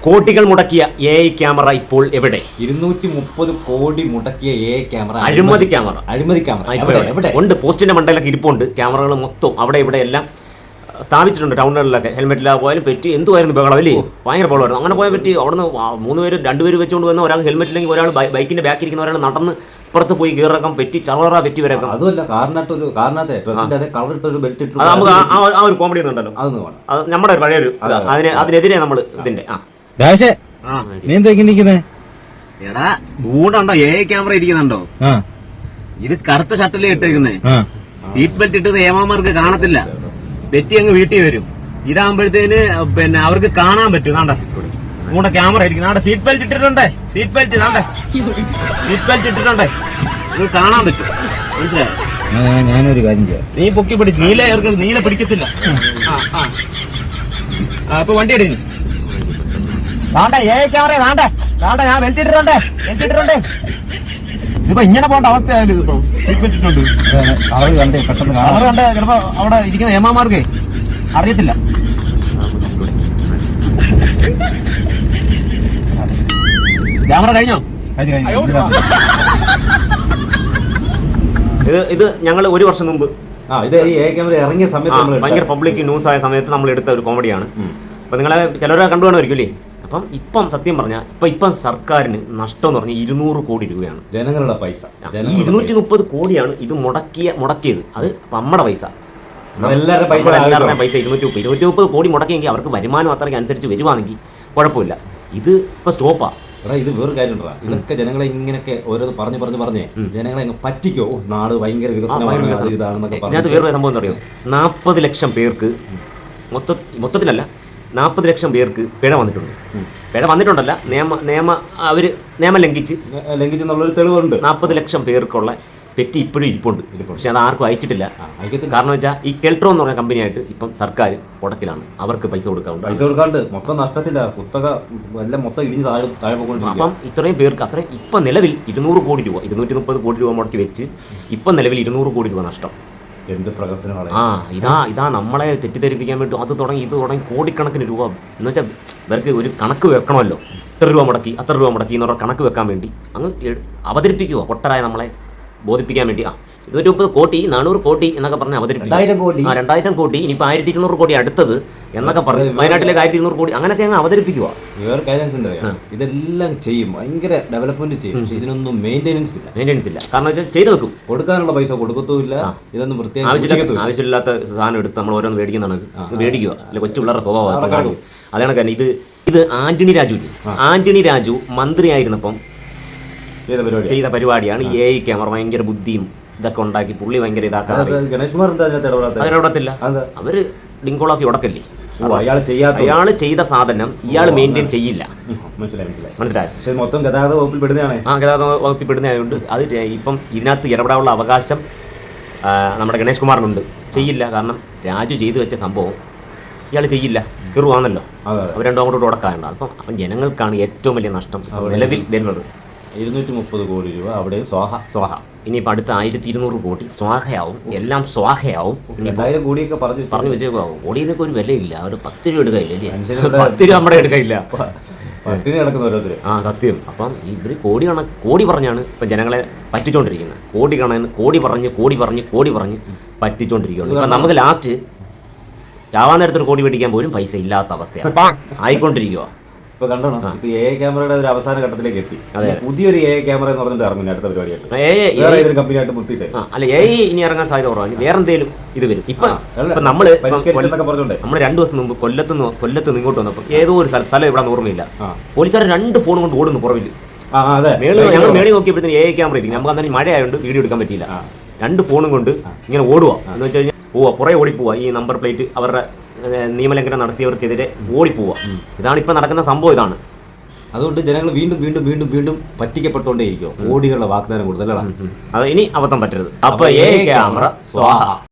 കോടികൾ മുടക്കിയ AI camera ഇപ്പോൾ എവിടെ? 230 കോടി മുടക്കിയ AI ക്യാമറ, അഴിമതി ക്യാമറ എവിടെ? ഉണ്ട്. പോസ്റ്റിന്റെ മണ്ടയിലൊക്കെ ഇരിപ്പുണ്ട്. ക്യാമറകൾ മൊത്തം അവിടെ ഇവിടെ എല്ലാം സ്ഥാപിച്ചിട്ടുണ്ട്. ടൗണുകളിലൊക്കെ ഹെൽമെറ്റില്ലാതെ പോയാലും പറ്റി എന്തുമായിരുന്നു ബഹളം അല്ലേ? ഭയങ്കര ബഹളമായിരുന്നു. അങ്ങനെ പോയാൽ പറ്റി അവിടുന്ന് 3 പേര് 2 പേര് വെച്ചുകൊണ്ട് വന്ന ഒരാൾ ഹെൽമെറ്റില്ലെങ്കിൽ ഒരാൾ ബൈക്കിന്റെ ബാക്കിൽ ഇരിക്കുന്ന ഒരാൾ നടന്ന് പുറത്ത് പോയി കീറക്കം പറ്റി ചറവറ പറ്റി വരേക്കാം. അതുമല്ല, കാറിനകത്ത് കളറിട്ടൊരു ബെൽറ്റ് ഇട്ടു. നമുക്ക് ആ ഒരു കോമഡി ഒന്നുണ്ടല്ലോ, അത് നമ്മുടെ ഒരു പഴയൊരു അതിനെതിരെ നമ്മൾ ഇതിന്റെ എടാ ദൂണ്ടുണ്ടോ AI ക്യാമറ ഇരിക്കുന്നുണ്ടോ? ഇത് കറുത്ത ഷർട്ടിലേ ഇട്ടേക്കുന്നേ. സീറ്റ് ബെൽറ്റ് ഇട്ടത് ഏമാമാർക്ക് കാണത്തില്ല, പെറ്റി അങ്ങ് വീട്ടിൽ വരും. ഇതാകുമ്പോഴത്തേന് പിന്നെ അവർക്ക് കാണാൻ പറ്റും. നാണ്ട കൂടെ ക്യാമറ ഇരിക്കുന്നു. നാണ്ട സീറ്റ് ബെൽറ്റ് ഇട്ടിട്ടുണ്ടേ, സീറ്റ് ബെൽറ്റ് ഇട്ടിട്ടുണ്ടേ, ഇത് കാണാൻ പറ്റും. മനസ്സിലായോ? ഞാനൊരു കാര്യം ചെയ്യാം, നീ പൊക്കി പിടിച്ച് നീല പിടിക്കത്തില്ല. അപ്പൊ വണ്ടി എടുക്കുന്നു. താണ്ടേ AI ക്യാമറ താണ്ട ഞാൻ ബെൽറ്റ് ഇട്ടിട്ടുണ്ടേ. ഇതിപ്പോ ഇങ്ങനെ പോകേണ്ട അവസ്ഥയായാലും ഇതിപ്പോ സീറ്റ് ബെൽറ്റ് ഇട്ടുണ്ട്. കളർ കണ്ടേ പെട്ടെന്ന് കളർ കണ്ടേ ചിലപ്പോ അവിടെ ഇരിക്കുന്ന ഏമാമാർക്ക് അറിയത്തില്ല. ക്യാമറ കഴിഞ്ഞോ? ഇത് ഞങ്ങൾ 1 വർഷം മുമ്പ് ഇത് ഈ AI ക്യാമറ ഇറങ്ങിയ സമയത്ത് ഭയങ്കര പബ്ലിക് ന്യൂസ് ആയ സമയത്ത് നമ്മൾ എടുത്ത ഒരു കോമഡിയാണ്. അപ്പൊ നിങ്ങളെ ചിലരെ കണ്ടുകാണുമായിരിക്കും അല്ലേ? അപ്പം ഇപ്പം സത്യം പറഞ്ഞാൽ ഇപ്പം സർക്കാരിന് നഷ്ടം എന്ന് പറഞ്ഞാൽ 200 കോടി രൂപയാണ്. ജനങ്ങളുടെ പൈസ. ഈ 230 കോടിയാണ് ഇത് മുടക്കിയത്. അത് നമ്മുടെ പൈസ, എല്ലാവരുടെ പൈസ 230 കോടി മുടക്കിയെങ്കിൽ അവർക്ക് വരുമാനം അത്രയ്ക്ക് അനുസരിച്ച് വരുവാണെങ്കിൽ കുഴപ്പമില്ല. ഇത് ഇപ്പൊ സ്റ്റോപ്പാ. ഇത് വേറെ കാര്യം. ഇതൊക്കെ ജനങ്ങളെ ഇങ്ങനെയൊക്കെ ഓരോ പറഞ്ഞ് ജനങ്ങളെ പറ്റിക്കോ, നാട് ഭയങ്കര വികസനമാണ് ഇതാണെന്നൊക്കെ. അതിനകത്ത് വേറൊരു സംഭവം എന്താ പറയുക, 40 ലക്ഷം പേർക്ക് മൊത്തത്തിലല്ല 40 ലക്ഷം പേർക്ക് പിഴ വന്നിട്ടുണ്ട്. പിഴ വന്നിട്ടുണ്ടല്ല, നിയമം ലംഘിച്ചെന്നുള്ളൊരു തെളിവുണ്ട്. 40 ലക്ഷം പേർക്കുള്ള പെറ്റി ഇപ്പോഴും ഇരിപ്പുണ്ട്. പക്ഷെ അത് ആർക്കും അയച്ചിട്ടില്ല. കാരണം വെച്ചാൽ ഈ കെൽട്രോ എന്ന് പറഞ്ഞ കമ്പനിയായിട്ട് ഇപ്പം സർക്കാർ ഉടക്കിലാണ്. അവർക്ക് പൈസ കൊടുക്കാണ്ട് മൊത്തം നഷ്ടത്തില്ല. കുത്തക എല്ലാം മൊത്തം ഇടിഞ്ഞ് താഴെ പോയിട്ടുണ്ട്. അപ്പം ഇത്രയും പേർക്ക് അത്രയും ഇപ്പം നിലവിൽ 200 കോടി രൂപ 230 കോടി രൂപ മുടക്കി വെച്ച് ഇപ്പം നിലവിൽ 200 കോടി രൂപ നഷ്ടം. എന്ത് പ്രകസനമാണ്! ഇതാ നമ്മളെ തെറ്റിദ്ധരിപ്പിക്കാൻ വേണ്ടി ഇത് തുടങ്ങി കോടിക്കണക്കിന് രൂപ എന്ന് വെച്ചാൽ ഇവർക്ക് ഒരു കണക്ക് വെക്കണമല്ലോ. ഇത്ര രൂപ മുടക്കി അത്ര രൂപ മുടക്കി എന്നുള്ള കണക്ക് വെക്കാൻ വേണ്ടി അങ്ങ് അവതരിപ്പിക്കുക. പൊട്ടരായ നമ്മളെ ബോധിപ്പിക്കാൻ വേണ്ടി 230 കോടി 400 കോടി എന്നൊക്കെ പറഞ്ഞ് അവതരിപ്പിക്കും. 2000 കോടി ഇനിയിപ്പോൾ 1200 കോടി അടുത്തത് എന്നൊക്കെ പറഞ്ഞു. വയനാട്ടിലേക്ക് 1200 കോടി അങ്ങനെയൊക്കെ അങ്ങ് അവതരിപ്പിക്കുക. വേറെ കാര്യം ഇതെല്ലാം ചെയ്യും, ഭയങ്കര ഡെവലപ്മെന്റ് ചെയ്യും. പക്ഷെ ഇതിനൊന്നും മെയിൻ്റെനൻസ് ഇല്ല. കാരണം വെച്ചാൽ ചെയ്തു വെക്കും, കൊടുക്കാനുള്ള പൈസ കൊടുക്കത്തുമില്ല. ഇതൊന്നും പ്രത്യേകം ആവശ്യമില്ലാത്ത സാധനം എടുത്ത് നമ്മൾ ഓരോന്ന് മേടിക്കുന്നതാണ്. മേടിക്കുക അല്ലെ, കൊച്ചു പിള്ളേരുടെ സ്വഭാവം. അതാണ് കാരണം. ഇത് ആന്റണി രാജു മന്ത്രിയായിരുന്നപ്പം ചെയ്ത പരിപാടിയാണ്. AI ക്യാമറ ഭയങ്കര ബുദ്ധിയും ഇതൊക്കെ ഉണ്ടാക്കി പുള്ളി ഭയങ്കര ഇടപെടത്തില്ല. അവര് ഡിങ്കോളാഫി ഉടക്കല്ലേ. അയാള് ചെയ്ത സാധനം ഇയാൾ മെയിൻറ്റെയിൻ ചെയ്യില്ല. മനസ്സിലായോ? മൊത്തം ഗതാഗത വകുപ്പിൽ പെടുന്നതാണ്. ഗതാഗത വകുപ്പിൽ പെടുന്നതായതുകൊണ്ട് അത് ഇപ്പം ഇതിനകത്ത് ഇടപെടാനുള്ള അവകാശം നമ്മുടെ ഗണേഷ് കുമാറിനുണ്ട്. ചെയ്യില്ല. കാരണം രാജു ചെയ്തു വെച്ച സംഭവം ഇയാൾ ചെയ്യില്ല. കെറുവാണല്ലോ. അവർ രണ്ടും അങ്ങോട്ട് ഉടക്കാറുണ്ട്. അപ്പം ജനങ്ങൾക്കാണ് ഏറ്റവും വലിയ നഷ്ടം നിലവിൽ വരുന്നത്. 230 കോടി രൂപ അവിടെ സ്വാഹ. ഇനിയിപ്പോൾ അടുത്ത 1200 കോടി സ്വാഹയാവും. എല്ലാം സ്വാഹയാവും. 2000 കോടിയൊക്കെ പറഞ്ഞു വെച്ചേക്കാവും. കോടിയിലൊക്കെ ഒരു വിലയില്ല. ഒരു 10 രൂപ എടുക്കയില്ലേ? 10 രൂപ നമ്മുടെ എടുക്കയില്ല. പട്ടിണി കിടക്കുന്ന ഓരോരുത്തർ. സത്യം. അപ്പം ഇവർ കോടി പറഞ്ഞാണ് ഇപ്പം ജനങ്ങളെ പറ്റിച്ചോണ്ടിരിക്കുന്നത്. കോടി പറഞ്ഞ് പറ്റിച്ചോണ്ടിരിക്കുകയാണ്. ഇപ്പം നമുക്ക് ലാസ്റ്റ് ചാവാൻ നേരത്തൊരു കോടി മേടിക്കാൻ പോലും പൈസ ഇല്ലാത്ത അവസ്ഥയാണ് ആയിക്കൊണ്ടിരിക്കുക. ഇപ്പൊ കണ്ടോ, ഇപ്പൊ AI ക്യാമറയുടെ ഒരു അവസാന ഘട്ടത്തിലേക്ക് എത്തി. പുതിയൊരു AI ക്യാമറ എന്ന് പറഞ്ഞിട്ട് ഇറങ്ങും അടുത്ത പരിപാടിയായിട്ട്. വേറെ ഏതൊരു കമ്പനിയായിട്ട് മുട്ടിട്ട് AI ഇനി ഇറങ്ങാൻ സാധ്യത കുറവാണ്. വേറെ എന്തെങ്കിലും ഇത് വരും. ഇപ്പൊ നമ്മൾ 2 ദിവസം മുമ്പ് കൊല്ലത്ത് ഇങ്ങോട്ട് വന്നപ്പോൾ ഏതോ ഒരു സ്ഥലം ഇവിടെ ഓർമ്മയില്ല, പോലീസുകാർ 2 ഫോൺ കൊണ്ട് ഓടുന്നു പുറവില്. ഞങ്ങൾ മേളിൽ നോക്കിയപ്പോഴത്തേന് AI ക്യാമറ ഇരിക്കും. നമുക്ക് അന്നേരം മഴയായതുകൊണ്ട് വീഡിയോ എടുക്കാൻ പറ്റിയില്ല. 2 ഫോണും കൊണ്ട് ഇങ്ങനെ ഓടുക എന്ന് വെച്ച് കഴിഞ്ഞാൽ പുറകെ ഓടിപ്പോവാ. ഈ നമ്പർ പ്ലേറ്റ് അവരുടെ നിയമലംഘനം നടത്തിയവർക്കെതിരെ ഓടിപ്പോവുക. ഇതാണ് ഇപ്പം നടക്കുന്ന സംഭവം. ഇതാണ് അതുകൊണ്ട് ജനങ്ങൾ വീണ്ടും പറ്റിക്കപ്പെട്ടുകൊണ്ടേയിരിക്കും. കോടികളുടെ വാഗ്ദാനം കൊടുത്തല്ലേ. അത് ഇനി അബദ്ധം പറ്റരുത്. അപ്പൊ AI ക്യാമറ സ്വാഹ.